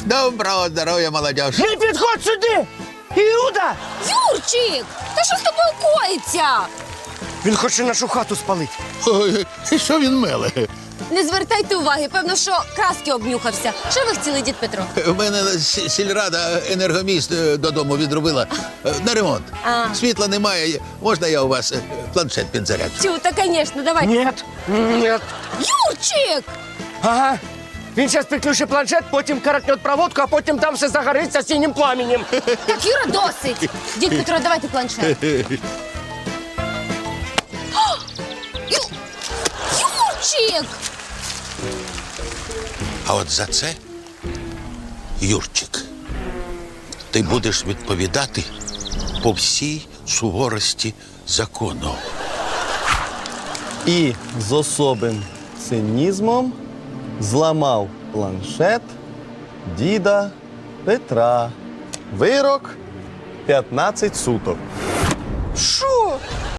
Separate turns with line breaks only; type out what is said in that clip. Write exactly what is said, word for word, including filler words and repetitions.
Доброго здоров'я, молодіж.
Не підходь сюди! Іуда!
Юрчик! Та що з тобою коїться?
Він хоче нашу хату спалити.
Ой, що він меле?
Не звертайте уваги, певно, що краски обнюхався. Що ви хотіли, дід Петро?
У мене с- сільрада енергоміст е, додому відробила е, на ремонт.
А.
Світла немає. Можна я у вас е, планшет підзаряджу?
Тю, та, звісно, давай.
Ні, ні.
Юрчик!
Ага. Він зараз підключить планшет, потім каракнет проводку, а потім там все загориться синім пламенем.
Так, Юра, досить. Дід Петро, давайте планшет. О! Ю- Юрчик!
А от за це, Юрчик, ти будеш відповідати по всій суворості закону.
І з особим цинізмом зламав планшет діда Петра. Вирок п'ятнадцять суток.
Що?